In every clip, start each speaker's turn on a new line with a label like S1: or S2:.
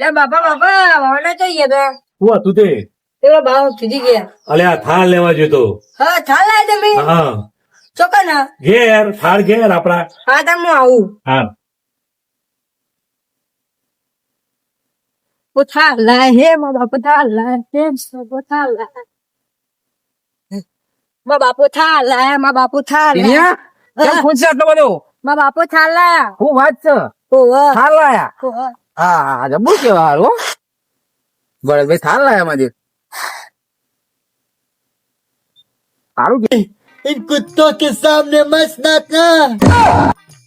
S1: બાપા વાવડે જોઈએ તો
S2: શું હતું તે?
S1: પેલો ભાવ કીધી ગયા.
S2: અલ્યા થાળ લેવા જતો.
S1: હા થાળ લાય તમે
S2: હા
S1: ચોક્કસ ના.
S2: ઘેર થાળ ઘેર આપડા.
S1: હા તમે હું આવું.
S2: હા
S1: થાળ લાય હે મારા બાપુ થાળ લાય હે થાળ લાય મારા બાપુ થાળ લાય મારા બાપુ થાળ લાય.
S3: કેમ ખુશ છે આટલો બધો?
S1: મારા બાપુ થાળ લાય.
S3: હું વાત છે
S1: ઓહો
S3: થાળ લાયા?
S1: ઓહો.
S3: હા જબરું કેવા હારું ભાઈ થાળ લાયા માજી સારું કે
S4: इन कुत्तों के सामने मत नाचना।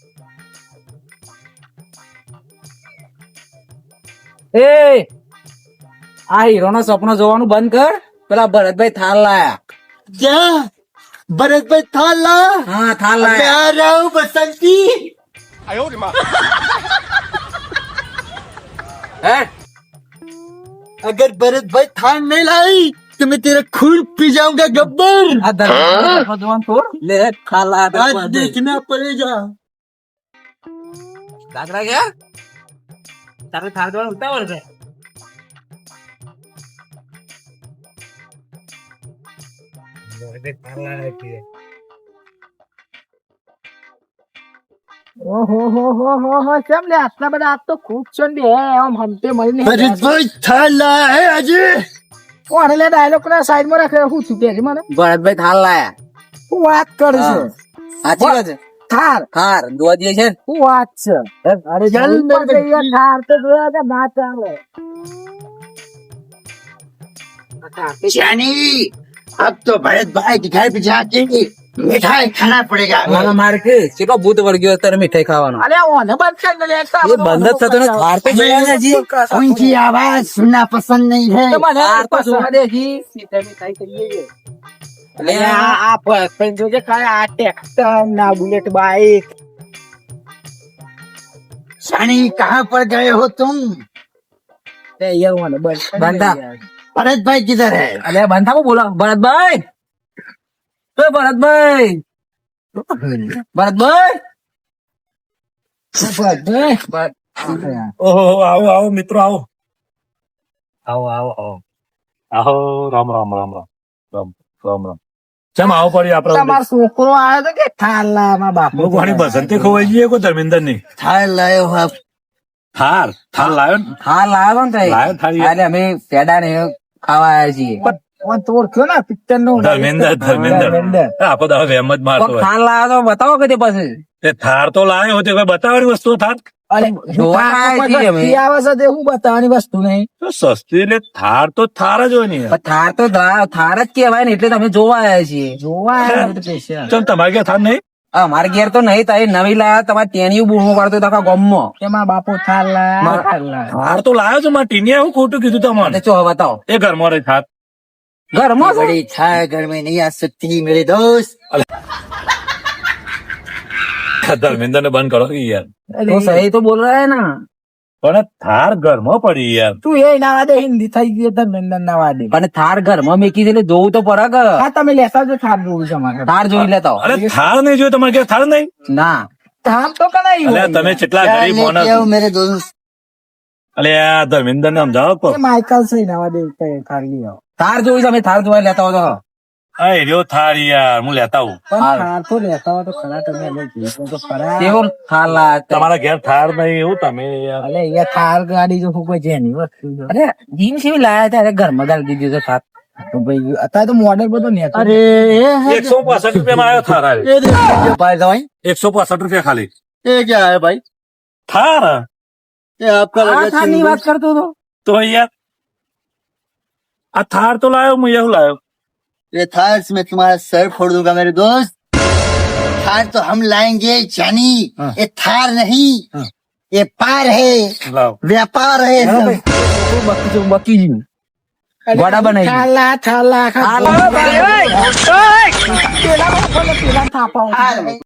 S3: એ આ હીરો નો સપનો જોવાનું બંધ કર. પેલા ભરતભાઈ થાળ લાયા.
S4: क्या भरत भाई थाला?
S3: હા થાળ
S4: मैं
S3: લાયા.
S4: आ रहा हूँ बसंती।
S3: હે
S4: अगर भरत भाई थाल नहीं लाई तो मैं तेरा खून पी जाऊंगा गब्बर।
S3: આ ધર્મ જોવાનું થોડ લે થાળ લાયા.
S4: आज देखना पड़ेगा।
S3: દાદરા ગયા તારે થાળ જોવાનું ઉતાવળ છે.
S1: ઓહો કેમ લે આટલા બધા આજ તો ખૂબ છે ને બે આમ હમતે મળીને
S4: भरत भाई थाल लाया है अजय।
S1: કોણ લે ડાયલોગ ના સાઈડ માં રાખે હું છું તેરી મને
S3: ભરતભાઈ થાળ લાયા.
S1: હું વાત કરું છું
S3: સાચી વાત છે.
S1: થાર
S3: થાળ જોવા દે છે ને.
S1: હું વાત છે અરે
S4: ચલ
S1: જલ્દી
S4: મેરે
S1: પર થાર તો જોયા કે ના ચાલે.
S4: जानी अब तो भरत भाई के घर पे जाके मिठाई खाना पड़ेगा।
S3: મારા માર કે કેટલો ભૂત વળગ્યો અત્યારે મીઠાઈ ખાવાનો.
S1: અલે ઓને બંધ કરી દે લેતા
S3: એ બંધ જ થતો ને થાળ તો જોયા ને હજી.
S4: उनकी आवाज सुनना पसंद नहीं है।
S3: થાળ તો જોવા દે હજી.
S1: મીઠાઈ કરીએ
S3: અલે
S1: આ પણ જોજે કાય આ ટ્રેક્ટર ના બુલેટ બાઈક
S4: जानी कहाँ पर गए हो तुम?
S1: તે યાર ઓને બંધ
S3: બંધા.
S4: भरत भाई किधर है?
S3: અલે બંધા કો બોલો ભરતભાઈ. એ ભરતભાઈ ભરતભાઈ
S2: ઓહો આવો આવો મિત્રો આવો આવો આવો આવો આવો રામ રામ રામ રામ રામ રામ રામ ચમ આવો પડી આપડે
S1: તમારો છોકરો આવ્યો તો કે થાલા માં બાપુ
S2: ભગવાન બસંતી ખોવાઈ જઈએ કોઈ ધર્મેન્દ્ર ની
S4: थाल लाए हो आप?
S2: થાર થાર લાયો ને
S3: થાળ લાવ્યો ને તઈ.
S2: લાયો થાળી.
S3: એટલે અમે પેડા ને ખાવા આવ્યા છીએ.
S1: ઓન તો ઓળખ્યો ને પિક્ચર નો
S2: ધર્મેન્દ્ર ધર્મેન્દ્ર આપો તો હવે એમ જ મારતો
S3: કોક
S2: હોય
S3: થાળ લાવ્યો તો બતાવો કે તે પછી.
S2: તે થાર તો લાયો તે કોઈ બતાવવાની વસ્તુ થાર
S1: અરે
S3: જોવા આવ્યા છીએ અમે.
S1: આવે છે તે હું બતાવવાની વસ્તુ નહીં
S2: તો સસ્તી એટલે થાર તો થાર જ હોય ને યાર.
S3: પણ થાળ તો થાળ જ કહેવાય ને એટલે તમે જોવા આવ્યા છીએ.
S1: જોવા આવ્યો તો પૈસા
S2: ચમ તમારે ક્યાં થાર નહીં
S3: અમારે ઘેર તો નહીં થાય નવી લાયા તમારે તેની બૂમો પાડતો તો આખા ગામમાં.
S1: એમાં બાપુ થાલા થાલા
S2: થાર તો લાયો છો મારા ટીનિયા એવું ખોટું કીધું તમારે
S3: એટલે ચો બતાવો
S2: એ ઘરમાં રહી થાર
S3: ઘરમાં છે?
S4: बड़ी थाल घर में नहीं आ सकती मेरे दोस्त।
S2: ધર્મેન્દ્ર ને બંધ કરો કે યાર
S3: તો સહી તો બોલ રહા હે ના.
S2: પણ થાર ઘરમાં પડી યાર
S1: તું એ ના વાદે હિન્દી થઈ ગઈ ધર્મેન્દ્ર ના વાદે
S3: પણ થાર ઘરમાં મેકી દે એટલે જોવું તો પડે કે.
S1: હા તમે લેતા જો થાર જોવું છે મારે
S3: થાર જોઈ લેતા હો.
S2: અરે થાર નહીં જોયું તમારે ક્યાં થાર નહીં
S3: ના
S1: થાર તો કરાયું
S2: અલ્યા તમે કેટલા
S4: क्या
S2: ગરીબ
S4: लेके
S2: માણસ
S4: आओ मेरे दोस्त?
S2: અલે આ ધર્મેન્દ્ર ને સમજાવો તો
S1: માઇકલ છે ના વાદે થાર લઈ આવો
S3: થાર જોઈ છે અમે થાર જોવા લેતા હો તો.
S2: આ એર્યો થાર યાર હું લેતા આવું
S1: પણ
S3: હાલ.
S1: થાર તો લેતા હોય તો ખરા તમે લઈ જઈએ તો ખરા
S3: કેવો થાર લાયા?
S2: તમારા ઘેર થાર નહીં એવું તમે યાર
S1: અલે અહીંયા થાર ગાડી જો કોઈ જેની વસ્તુ છે.
S3: અરે જીમ કેવી લાયા હતા? અરે ઘરમાં ગાલી દીધી છે થાર.
S1: તો ભાઈ અત્યારે તો મોડેલ બધો ને
S4: अरे
S2: 165 રૂપિયામાં આવ્યો થાર આવે
S4: ये देखो भाई भाई
S2: 165 રૂપિયા ખાલી
S4: ये क्या है भाई?
S2: થાર
S4: ये आपका
S3: આ
S4: लगा
S3: થારની વાત કરતો હતો.
S2: તો યાર આ થાર તો લાયો હું એવું લાયો
S4: ये थार से मैं तुम्हारा सर फोड़ दूंगा मेरे दोस्त। थार तो हम लाएंगे जानी। ये थार नहीं ये पार है
S2: લાવ
S4: व्यापार है
S3: હા
S4: सब।
S3: ભાઈ, બકી જેવું. વડા બનાવી
S1: થાલા થાલા
S3: થાલા ભાઈ, ઓય, ઓય.
S1: પેલા થાપા
S4: थार में